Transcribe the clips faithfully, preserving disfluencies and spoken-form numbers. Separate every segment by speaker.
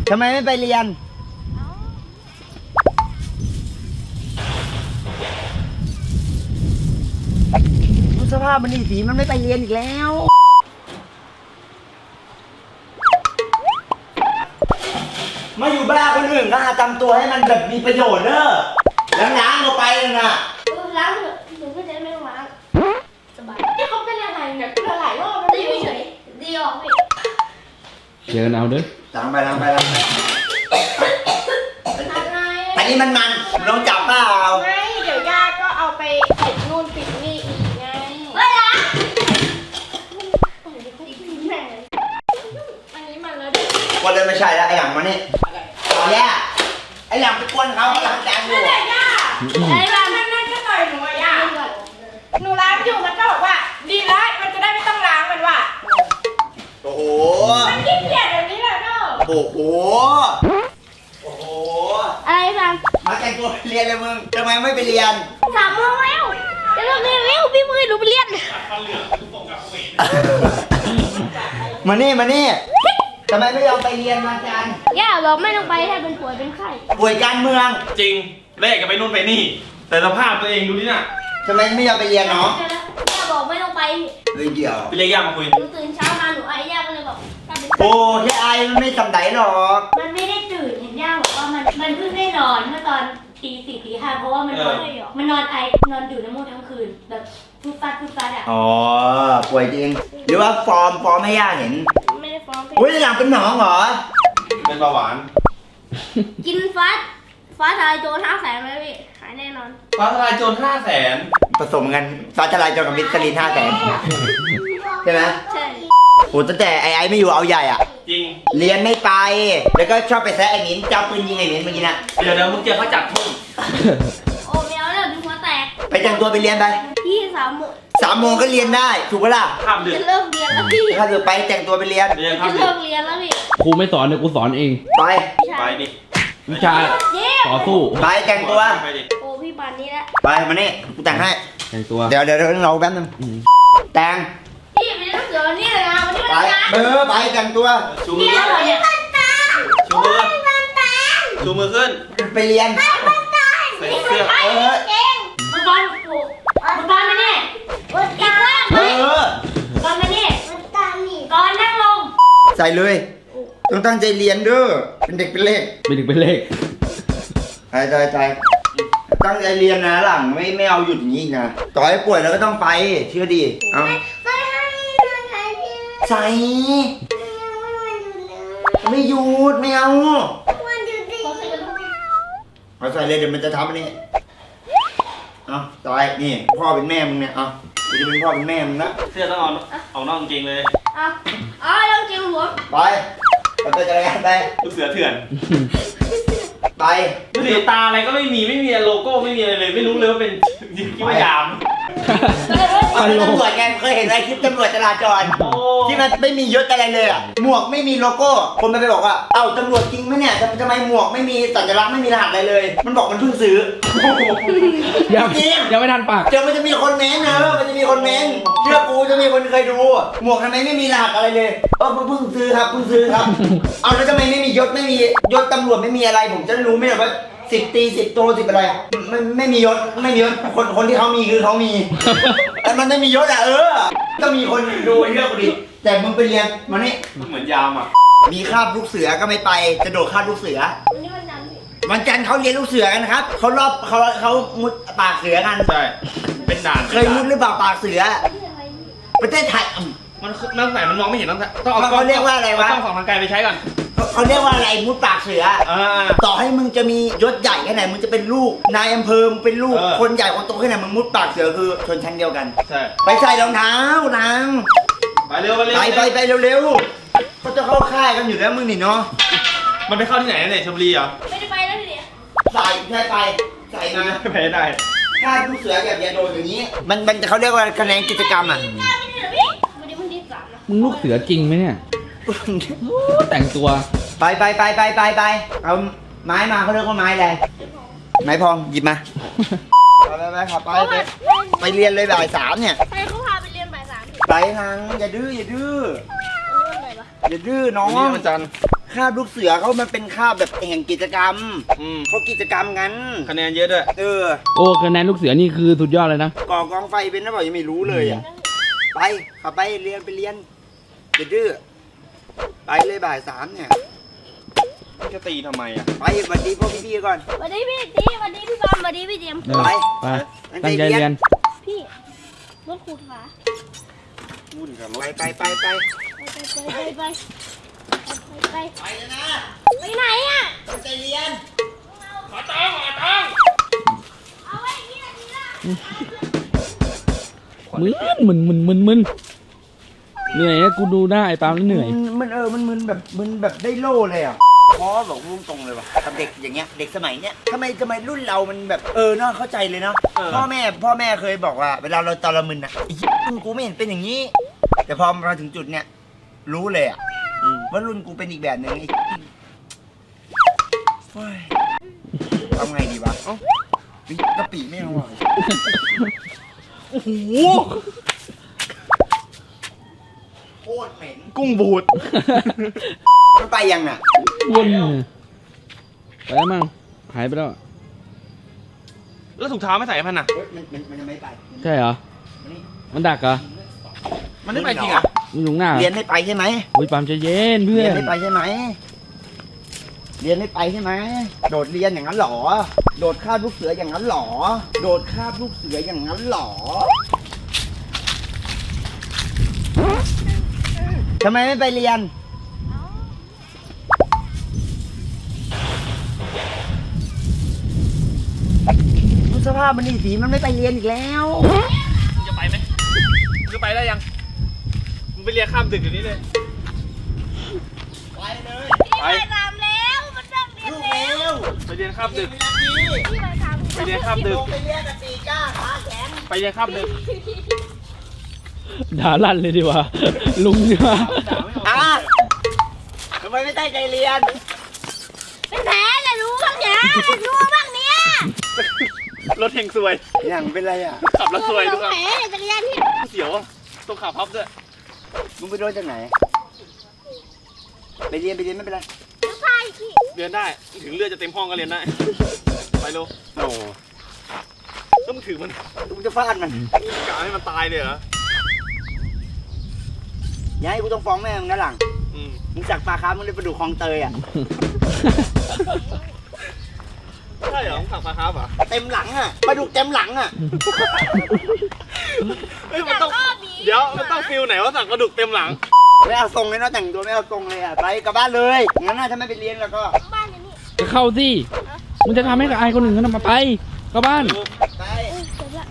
Speaker 1: ทำไมไม่ไปเรียนดูสภาพมันนี่สีมันไม่ไปเรียนอีกแล้วมาอยู่บ้านคนอื่นก็หาทำตัวให้มันแบบมีประโยชน์เนอะล้างๆก็ไปเลยนะ
Speaker 2: ล้างเถอะหนูก็จะไม่ต้องล้างสบายที่เขาเป็นอะไรเนี่ยเป็นหลายรอบแล้วอยู่เฉยดีออกพี่
Speaker 3: เจอกันเอาด้วย
Speaker 1: ล้างไปล้างไปล้างไปอันนี้มันมันลองจับเปล่า
Speaker 2: ไม่เดี๋ยวย่าก็เอาไปปิดนู่นปิดนี่อีกไงไม่ล้างอันนี้มันแล้ว
Speaker 1: คนเลยไม่ใช่แล้วไอ้หลังมานี่ต่อย่าไอ้หลังไปกวนเขาเขาหลังจานอยู่
Speaker 2: ไม่ได้ย่าไอ้หลังนั่นนั่นก็ต่อยหนูอะย่าหนูล้างอยู่มันก็บอกว่าดีแล้วมันจะได้ไม่ต้องล้างมันว่ะ
Speaker 1: โอ้โห
Speaker 2: มันขี้เกียจแบบนี้แหละเนาะ
Speaker 1: โอ้โหโอ้โห
Speaker 2: อะไรบ้าง
Speaker 1: มาแต่งตัวเรียนเลยมึงทำไมไม่ไปเรียน
Speaker 2: สามโมงแล้วจะเริ่มเรียนแล้วพี่มือหนูไปเรียน
Speaker 1: มานี่มานี่ทำไมไม่ยอมไปเรียนมาจัน
Speaker 2: ย่าบอกไม่ต้องไปถ้าเป็นป่วยเป็นไข้
Speaker 1: ป่วยการเมือง
Speaker 4: จริงแรกก็ไปนู่นไปนี่แต่สภาพตัวเองดูนี่น่ะ
Speaker 1: ทำไมไม่ยอมไปเรียนเนาะ
Speaker 2: ย่าบอกไม่ต้องไป
Speaker 1: เลยเดี๋ยว
Speaker 4: ไปเรียกย่ามาคุย
Speaker 2: หนูตื่นเช้ามาหนูไอย่าก็เลยบอก
Speaker 1: โอ้แค่ไอมันไม่ทำไหนหรอก
Speaker 2: มันไม่ได้ตื่นเห็นย่าบอกว่ามันมันเพิ่งได้นอนเมื่อตอนตีสี่ตีห้าเพราะว่ามันนอนมันนอนไอนอนดื่มน้ำมูกทั้งคืนแบบฟุดฟัดฟุดฟัดอ่ะ
Speaker 1: อ๋อป่วยจริงหรือว่าฟอร์มฟอร์มให้ย่าเห็น
Speaker 2: ไม่ได้ฟอร์ม
Speaker 1: อุ้ยหลังเป็นหนองเหรอ
Speaker 4: เป็นเบาหวาน
Speaker 2: กินฟัดฟ้าทลายโจรห้าแสนไหมพี่หายแน่นอน
Speaker 4: ฟ้าทลายโจรห้าแสน
Speaker 1: ผสมกันฟ้าทลายโจรกับมิสลินห้าแสนใช่ไหม
Speaker 2: ใช่
Speaker 1: โอ้ตั้งแต่ไอ้ไอ้ไม่อยู่เอาใหญ่อ่ะ
Speaker 4: จริง
Speaker 1: เรียนไม่ไปแล้วก็ชอบไปแซะไอ้มิ้นจับปืนยิงไอ้มิ้นเมื่อกี้น่ะ
Speaker 4: เดี๋ยวเดี๋ยวมึงเจอเขาจับทุ่ม
Speaker 2: โอ้เมียวเนี่ยดูหัวแตก
Speaker 1: ไปแต่งตัวไปเรียนไป
Speaker 2: พี่สามโมง
Speaker 1: สามโมงก็เรียนได้ถูกปะล่ะ
Speaker 4: ข้ามดึก
Speaker 2: จะเลิกเรียนแล้วพี่
Speaker 1: ถ้าเกิดไปแต่งตัวไปเรียน
Speaker 2: จะเลิกเรียนแล้วพี่
Speaker 3: ครูไม่สอนเดี๋ยวกูสอนเอง
Speaker 1: ไป
Speaker 4: ไปดิ
Speaker 3: วิชาต่อสู้
Speaker 1: ไปแต่งตัว
Speaker 2: โอ้พี่ปานนี้แล้ว
Speaker 1: ไปมานี่กูแต่งให้
Speaker 3: แต่งตัว
Speaker 1: เดี๋ยวเดี๋ยวเราแป๊บนึงแต่ง
Speaker 2: พี่ไม่ต้องเสือวันนี้เลยนะวันนี้
Speaker 1: ไปเออไปแต่งตัว
Speaker 4: ชูมือขึ้นชูมือชูมือขึ้น
Speaker 1: ไปเรียน
Speaker 4: ใส่เสื้อ
Speaker 1: เออ
Speaker 2: มังกรถูกมังกรมาเนี่ยอีกว่าเอ
Speaker 1: อ
Speaker 2: กรมาเนี่ยกรนั่งลง
Speaker 1: ใส่เลยต้องตั้งใจเรียนด้วยเป็นเด็กเป็นเลข
Speaker 3: เป็นเด็กเป็นเลข
Speaker 1: ใจใจใจตั้งใจเรียนนะหลังไม่ไม่เอาหยุดอย่างนี้นะต่อให้ป่วยแล้วก็ต้องไปเชื่อดีเอาใส่ไม่หยุดไม่เอาเอาใส่เลยเดี๋ยวมันจะทำอันนี้เอาต่อยนี่พ่อเป็นแม่มึงเนี่ยเอาจะเป็นพ่อเป็นแม่มึงนะ
Speaker 4: เสื้อต้องเอาเอานอกจริงเลย
Speaker 2: เอาเอาเรื่องจริงหัว
Speaker 1: ไปไปไปจักรยานไป
Speaker 4: ลูกเสือเถื่อน
Speaker 1: ไป
Speaker 4: ดูดิตาอะไรก็ไม่มีไม่มีโลโก้ไม่มีอะไรเลยไม่รู้เลยว่าเป็นคิดว่ายาม
Speaker 1: ตำรวจไงเคยเห็นไอ้คลิปตำรวจจราจรที่มันไม่มียศอะไรเลยอ่ะหมวกไม่มีโลโก้คนมันไปบอกว่าเอ้าตำรวจจริงไหมเนี่ยทำไมหมวกไม่มีสัญลักษณ์ไม่มีรหัสอะไรเลยมันบอกมันเพิ่งซื้อ
Speaker 3: ยังยังไม่ทันปาก
Speaker 1: เดี๋ยวมันจะมีคนเม้นเนอะมันจะมีคนเม้นเชื่อกูจะมีคนเคยดูหมวกทำไมไม่มีรหัสอะไรเลยเออเพิ่งซื้อครับเพิ่งซื้อครับเอาแล้วทำไมไม่มียศไม่มียศตำรวจไม่มีอะไรผมจะรู้ไหมว่าสิบตีสิบโตสิบอะไรไม่ไม่มียศไม่มียศคนคนที่เขามีคือเขามีแต่มันไม่มียศอ่ะเออก็มีคนดูเรื่องกูดิแต่มึงไปเรียนมานี่
Speaker 4: เหมือนยามอ่ะ
Speaker 1: มีคาบลูกเสือก็ไม่ไปจะโดดคาบลูกเสือ
Speaker 2: วันนี้วันจันทร์
Speaker 1: วันจันทร์เขาเรียนลูกเสือกันครับเขารอบเขาเขามุดปากเสือกัน
Speaker 4: ใช่เป็นด่าน
Speaker 1: เคยมุดหรือเปล่าปากเสือประเทศไทย
Speaker 4: มันมันไหนมันมองไม่เห็นต้องต้องเอา
Speaker 1: เขาเรียกว่าอะไรวะ
Speaker 4: ต้องส่องทางไกลไปใช้ก่อน
Speaker 1: เขาเรียกว่าอะไรมุดปากเสือต่อให้มึงจะมียศใหญ่แค่ไหนมึงจะเป็นลูกนายอำเภอมึงเป็นลูกคนใหญ่คนโตแค่ไหนมึงมุดปากเสือคือชนชั้นเดียวกัน
Speaker 4: ใช่
Speaker 1: ไปใส่รองเท้านาง
Speaker 4: ไปเร็วไปเร็ว
Speaker 1: ไปไปไปเร็วๆเขาจะเข้าค่ายกันอยู่แล้วมึงนี่เนาะ
Speaker 4: มันไปเข้าที่ไหนเนี่ยชลบุรีเหรอ
Speaker 2: ไม่ได้ไปแล้วทีเดียว
Speaker 1: ใส่แค่ไปใส่นะ
Speaker 4: ไปได้
Speaker 1: ค่ายลูกเสือแบบยาโดนอย่างนี้มันมันเขาเรียกว่าคะแนนกิจกรรมอ่ะ
Speaker 3: มึงลูกเสือจริงไหมเนี่ยแต่งตัว
Speaker 1: ไปไปไปไปไปไปเอาไม้มาเขาเรียกว่าไม้อะไรไม้พองหยิบมาไปไปไปขับไปไปไปเรียนเลยบ่ายสามเนี่ย
Speaker 2: ใครเขาพาไปเรียนบ่ายสาม
Speaker 1: ไปทางอย่าดื้ออย่าดื้ออย่าดื้อน้อง
Speaker 4: นี่วันจันทร์
Speaker 1: คาบลูกเสือเขามันเป็นคาบแบบแห่งกิจกรรม
Speaker 4: อืม
Speaker 1: เขากิจกรรมงั้น
Speaker 4: คะแนนเยอะด้วย
Speaker 1: เออ
Speaker 3: โอ้คะแนนลูกเสือนี่คือสุดยอดเลยนะ
Speaker 1: ก่อกองไฟเป็นนะบอกยังไม่รู้เลยอ่ะไปขับไปเรียนไปเรียนอย่าดื้อไปเลยบ่ายสามเนี่ย
Speaker 4: จะตีทำไมอ่ะ
Speaker 1: ไปสวัสดีพ่อพี่ๆก่อน
Speaker 2: สวัสดีพี่ตีสวัสดีพี่บอมสวัสดีพี่เจมส์
Speaker 3: ไป ไป ตั้งใจเรียน
Speaker 2: พี่รถขูดฝา
Speaker 4: วุ่นกับร
Speaker 1: ไป
Speaker 4: ถ
Speaker 1: ไปไปไป
Speaker 2: ไปไปไปไปไปไป
Speaker 1: ไปเลยนะ
Speaker 2: ไปไหนอ่ะ
Speaker 1: ตั้งใจเรียน
Speaker 4: ขอตังค์ขอตังค์
Speaker 2: เอาไว้ที่ไหนดีล่ะ
Speaker 3: มึนมึนมึนมึนมึนเหนื่อยนะกูดูได้ไอ้ปาล์มแล้วเหนื่อย
Speaker 1: มันมันเออมันมึนแบบมึนแบบได้โล่เลยอ่ะพ่อบอกพุ่งตรงเลยว่ะกับเด็กอย่างเงี้ยเด็กสมัยเนี้ยทำไมทำไมรุ่นเรามันแบบเออเนาะเข้าใจเลยเนาะพ่อแม่พ่อแม่เคยบอกว่าเวลาเราตอนเรามึนอ่ะไอ้เหี้ยรุ่นกูไม่เห็นเป็นอย่างนี้ แต่พอมาถึงจุดเนี้ยรู้เลยอ่ะว่ารุ่นกูเป็นอีกแบบหนึ่งไอ้เหี้ยเฮ้ยทำไงดีวะเอ้ากะปิไม่เอาอ่ะ
Speaker 4: โอ้โห
Speaker 1: โคตรเหม็น
Speaker 4: กุ้งบูด
Speaker 1: มันไปยังอ่ะ
Speaker 3: วนไปแล้วมั้งหายไปแล้ว
Speaker 4: แล้วถุงเท้าไม่ใส่พันอ่ะ
Speaker 1: เฮ้ยมันมันมันยังไม่ไป
Speaker 3: ใช่เหรอ
Speaker 1: มันนี่
Speaker 3: มันดักเหรอ
Speaker 4: มันไม่ไปจริงอ่ะ
Speaker 3: มันอยู่ข้างหน้าเหรอ
Speaker 1: เรียนไม่ไปใช่ไหม
Speaker 3: อุ้ยปาล์มใจเย็นเพื่
Speaker 1: เรี
Speaker 3: อย
Speaker 1: น
Speaker 3: น
Speaker 1: ไม่ไปใช่ไหม เรียนไม่ไปใช่ไหม โดดเรียนอย่างนั้นหรอ โดดคาบลูกเสืออย่างนั้นหรอ โดดคาบลูกเสืออย่างนั้นหรอทำไมไม่ไปเรียน ดูสภาพมันนี่สีมันไม่ไปเรียนอีกแล้ว
Speaker 4: มึงจะไปไหมมึงจะไปได้ยัง มึงไปเรียนข้ามดึกอย่างนี้เลย
Speaker 1: ไปเลย
Speaker 4: ไป
Speaker 2: ไปตามแล้วมันเริ่มเรียน
Speaker 1: ลูก
Speaker 2: แล้ว
Speaker 1: เร็ว
Speaker 4: ไปเรียนข้ามดึก
Speaker 2: พี่มาทำ
Speaker 4: ไปเรียนข้ามดึก
Speaker 1: ลงไปเรียนกับตีก้าขาแข็ง
Speaker 4: ไปเรียนข้ามดึก
Speaker 3: ด่าลั่นเลยดีกว่า ลุงดีกว่า
Speaker 4: ด่าไม่ออก
Speaker 1: อ่ะทำไมไม่ตั้งใจเรียน
Speaker 2: เป็นแผลเลยรู้บ้างเนี่ยรู้บ้างเนี่ย
Speaker 4: รถเฮงซวย
Speaker 1: อย่างเป็นไรอ่ะ
Speaker 4: ขับรถซวยทุกครั้ง
Speaker 2: แผลจักรยานที่
Speaker 4: เสียวอะต้องขับพับด้วย
Speaker 1: มึงไปโดนจากไหน ไปเรียนไปเรียนไม่เป็นไร
Speaker 2: ใช่พี่
Speaker 4: เรียนได้ ถึงเลือดจะเต็มห้องก็เรียนได้ ไปเร็ว
Speaker 1: โอ้
Speaker 4: แล้วมึงถือมัน
Speaker 1: มึงจะฟาดมัน
Speaker 4: กะให้มันตายเลยเหรอ
Speaker 1: อย่าให้กูต้องฟ้องแม่มึงนะหลัง
Speaker 4: อืม
Speaker 1: มึงจักปลาคาร์ฟมึงเลยไปดูคลองเตยอ่ะ
Speaker 4: ใช่เหรอมึงขับพาครับเหรอ
Speaker 1: เต็มหลังอ่ะปลาดุกเต็มหลังอ่ะ
Speaker 4: เฮ้ยมันต้อง เดี๋ยวมันต้องฟิลไหนว่าสั่งกระดูกเต็มหลัง
Speaker 1: ไม่เอาทรงเลยนะแต่งตัวไม่เอาทรงเลยอ่ะ ไปกลับบ้านเลย งั้นน่าถ้าไม่ไปเรียนแล้วก็
Speaker 2: บ้านอย่างนี้
Speaker 3: จะเข้าสิ มึงจะทำให้กับอายคนอื่นเขาทำมาไปเข้าบ้าน
Speaker 1: ไป
Speaker 2: จบละ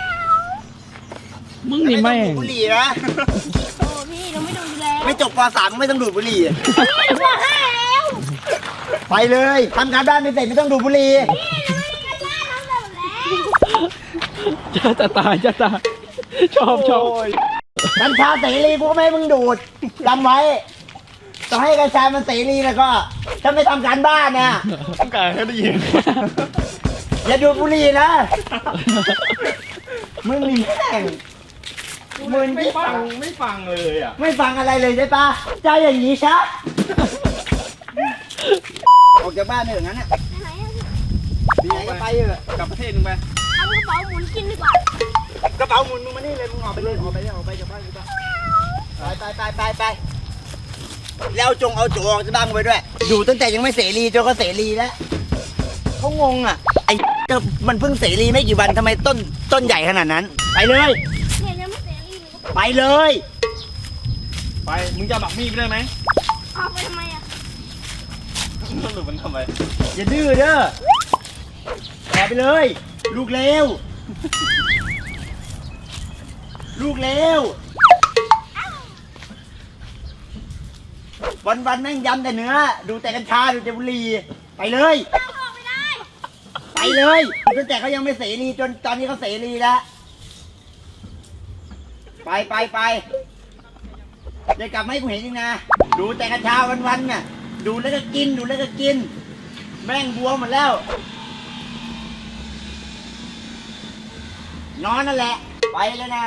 Speaker 3: มึงนี่
Speaker 1: ไม่
Speaker 3: แม่
Speaker 1: ต้องดูด
Speaker 3: ง
Speaker 1: บุหรี่นะ
Speaker 2: โอ้พี่เราไม่ดูอยู่แล้ว
Speaker 1: ไม่จบป .สาม ไม่ต้องดูดบุหรี่
Speaker 2: พี่ปห้าแล้ว
Speaker 1: ไปเลยทำการบ้านไม่เสร็จไม่ต้องดูดบุหรี่
Speaker 2: พี่เราไม่ได้กันบ้านทำแบบแล้ว
Speaker 3: จะจะตายจะตายชอบชอบ
Speaker 1: กัญชาเสรีกูก็ไม่ให้มึงดูดจำไว้ต่อให้กัญชามันเสรีแล้วก็ถ้าไม่ทำการบ้านเนี่ย
Speaker 4: ต้องการให้ได้ยิน
Speaker 1: อย่าดูดบุหรี่นะ มึงนี่แม่งมึง
Speaker 4: ไม่
Speaker 1: ที่
Speaker 4: ฟังไม่ฟังเลยอ่ะ
Speaker 1: ไม่ฟังอะไรเลยใช่ปะเจ้าอย่างนี้ชะออกจากบ้านเถอะงั้นน่ะ
Speaker 2: ไหนอะ
Speaker 1: มีไหนก็ไปเถอะ
Speaker 4: กลับประเทศนึงไป
Speaker 2: เอากระเป๋าหมุนกินดีกว่า
Speaker 1: กระเป๋าหมุนมึงมานี่เลยมึงออกไปเลยออกไปเลยออกไปจากบ้านกูไปไปไปไปไปแล้วจงเอาโจออกจากบ้านกูไปด้วยอยู่ตั้งแต่ยังไม่เสรีจนก็เสรีแล้วเขางงอ่ะไอ้ก็มันเพิ่งเสรีไม่กี่วันทำไมต้นต้นใหญ่ขนาดนั้น ไปเลย
Speaker 2: เนี่ยยังไม่เสร็จเลย
Speaker 1: ไปเลย
Speaker 4: ไป มึงจะบักมีดไปได้ไหม
Speaker 2: เอาไปทำไมอ่ะ
Speaker 4: สรุปมันทำไม
Speaker 1: อย่าดื้อเด้อออกไปเลย ลูกเลวลูกเลววันวันๆแม่งยำแต่เนื้อ ดูแต่กัญชาดูแต่บุหรี่ไปเลย
Speaker 2: เอาออกไม่ได้
Speaker 1: ไปเลยตั้งแต่เขายังไม่เสรีจนตอนนี้เขาเสรีแล้ว ไปไปไปเดี๋ยวกลับมาให้กูเห็นอีกนะ ดูแต่กัญชาวันๆน่ะ ดูแล้วก็กิน ดูแล้วก็กิน แม่งบวมหมดแล้ว นอนนั่นแหละ ไปเลยนะ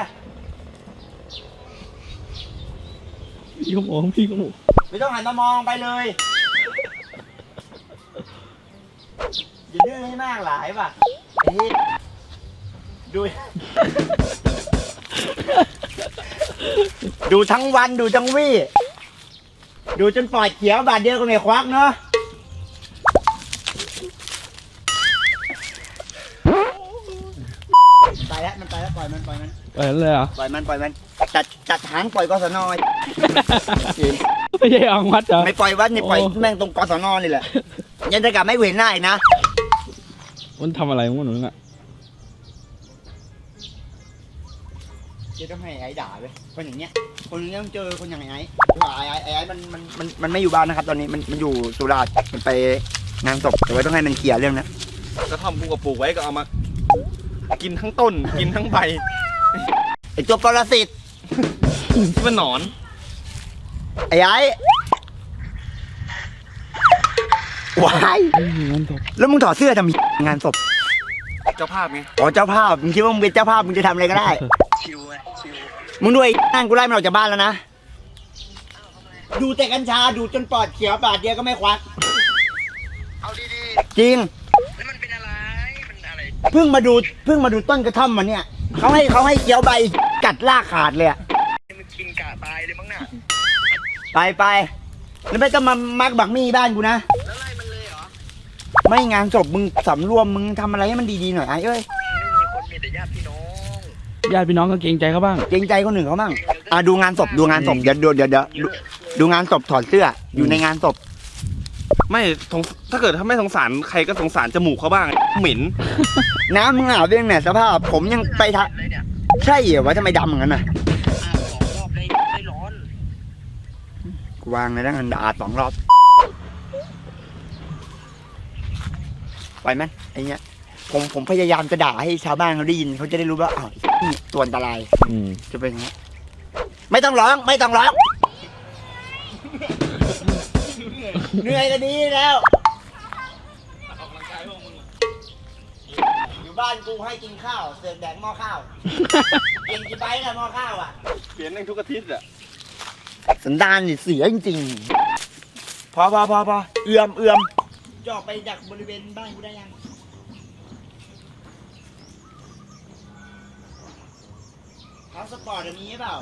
Speaker 3: พี่ก็มองพี่ก็มอง
Speaker 1: ไม่ต้องหันมามองไปเลยอย่าดื้อให้มากหลายป่ะไอ้ที่ดู ดูทั้งวันดูทั้งวี่ ดูจนปอดเขียวบาดเดียวก็ไม่ควักเนาะมันไปแล้วมันไปแล้วปล่อยมันปล่อยมัน
Speaker 3: เออเลยเหรอ
Speaker 1: ปล่อยมันปล่อยมันจัดจัดหางปล่อยกศน
Speaker 3: ไม่ใช่อังวัดเหรอ
Speaker 1: ไม่ปล่อยวัดนี่ปล่อย
Speaker 3: โอ้
Speaker 1: แม่งตรงกศนนี่แหละยันจะกลับไม่เว้นหน้าอีกนะ
Speaker 3: มันทำอะไรมึงหนูน่ะ
Speaker 1: จะต้องให้ไอ้ด่าเลยคนอย่างเงี้ยคนอย่างเงี้ยต้องเจอคนอย่างไอ้ไอ้ไอ้ไอ้ไอ้ไอ้มันมันมันมันไม่อยู่บ้านนะครับ ตอนนี้มันมันอยู่สุราษฎร์มันไปงานศพแต่ว่าต้องให้มันเคลียร์เรื่องนั้น
Speaker 4: กระท่อมกูกับปลูกไว้ก็เอามา กินทั้งต้น กินทั้งใบ
Speaker 1: ไอ้ตัวปรสิต
Speaker 4: ที่มันหนอน
Speaker 1: ไอ้ไอ้วาย
Speaker 3: ไม่มีเงินตก
Speaker 1: แล้วมึงถอดเสื้อทำไมงานศพ
Speaker 4: เจ้าภาพไง
Speaker 1: อ๋อเจ้าภาพมึงคิดว่ามึงเป็นเจ้าภาพมึงจะทำอะไรก็ได้มึงด้วยนั่งกูไล่มันออกจากบ้านแล้วนะดูแต่กัญชาดูจนปอดเขียวปาดเดียวก็ไม่ควักเอาดีๆจริงแล้วมันเป็นอะไรมันอะไรเพิ่งมาดูเพิ่งมาดูต้นกระท่อมมันเนี่ยเขาให้เขาให้เคี้ยวใบกัดลากขาดเลยอะมันกินกะตายเลยมั้งน่ะไปไปแล้วไม่ต้องมามักบักมี่บ้านกูนะแล้วไล่มันเลยเหรอไม่งานศพมึงสำรวมมึงทำอะไรให้มันดีๆหน่อยไอ้เอ้ย
Speaker 3: ญาติพี่น้องก็เกรงใจเขาบ้าง
Speaker 1: เกรงใจคนหนึ่งเขาบ้างอ่ะดูงานศพดูงานศพเดี๋ยวเดี๋ยวเดี๋ยวเดี๋ยวดูดูงานศพถอดเสื้ออยู่ในงานศพ
Speaker 4: ไม่สงถ้าเกิดถ้าไม่สงสารใครก็สงสารจมูกเขาบ้าง เหม็น
Speaker 1: น้ำมึงอาบเรื่องเนี่ยสภาพผมยังไปทะใช่เหรอวะทำไมดำเหมือนกันน่ะกูวางเลยนะเงินอาบสองรอบไปไหมไอ้เงี้ยผมผมพยายามจะด่าให้ชาวบ้านเขาได้ยินเขาจะได้รู้ว่าอ้าวนี่ตัวอันตราย
Speaker 3: อืม
Speaker 1: จะเป็นอย่างนี้ไม่ต้องร้องไม่ต้องร้องเหนื่อยก็ดีแล้วอยู่บ้านกูให้กินข้าวเสือกแดกหม้อข้าวกินกี่ใบนะหม้อข้าวอ่ะ
Speaker 4: เปลี่ยนแม่งทุกอาทิตย์อะ
Speaker 1: สันดานนี่เสียจริงๆพอพอพอพอเอื้อมเอื้อมจะออกไปจากบริเวณบ้านกูได้ยังพาสปอร์ตมีหรือเปล่า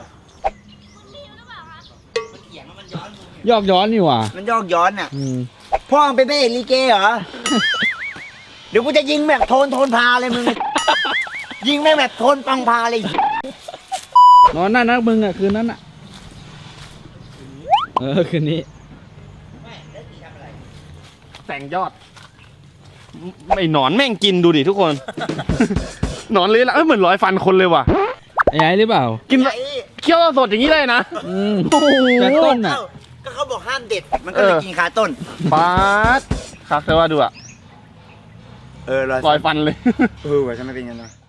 Speaker 1: มันเถียงแล้วมันย้อนมึงเนี่ย
Speaker 3: ยอกย้อนนี่หว่า
Speaker 1: มันยอกย้อนอ่ะ
Speaker 3: อืม
Speaker 1: พ่อมึงเป็นพระเอกลีเกเหรอ เดี๋ยวกูจะยิงแบบโทนโทนพาเลยมึง ยิงแม่งแบบโทนปังพาเลย
Speaker 3: นอนนั่นนะมึงอ่ะคืนนั้นอ่ะ เออคืนนี้
Speaker 4: แต่งยอด ไม่หนอนแม่งกินดูดิทุกคน หนอนเลยละเอ้ยเหมือนร้อยฟันคนเลยว่ะ
Speaker 3: ไอ้ไอ้หรือเปล่า
Speaker 4: กินเคี้ยวสดอย่างนี้เลยนะ
Speaker 3: อืมแต่ต้นอ่ะ
Speaker 1: เอ้าก็เขาบอกห้ามเด็ด มันก็เลย
Speaker 4: เออ
Speaker 1: กินคาต้น
Speaker 4: ปาดคักเธอว่าดูอะ
Speaker 1: เออ
Speaker 4: ร้อยฟันเลย
Speaker 1: เออว่ะทำไมเป็นงั้นวะ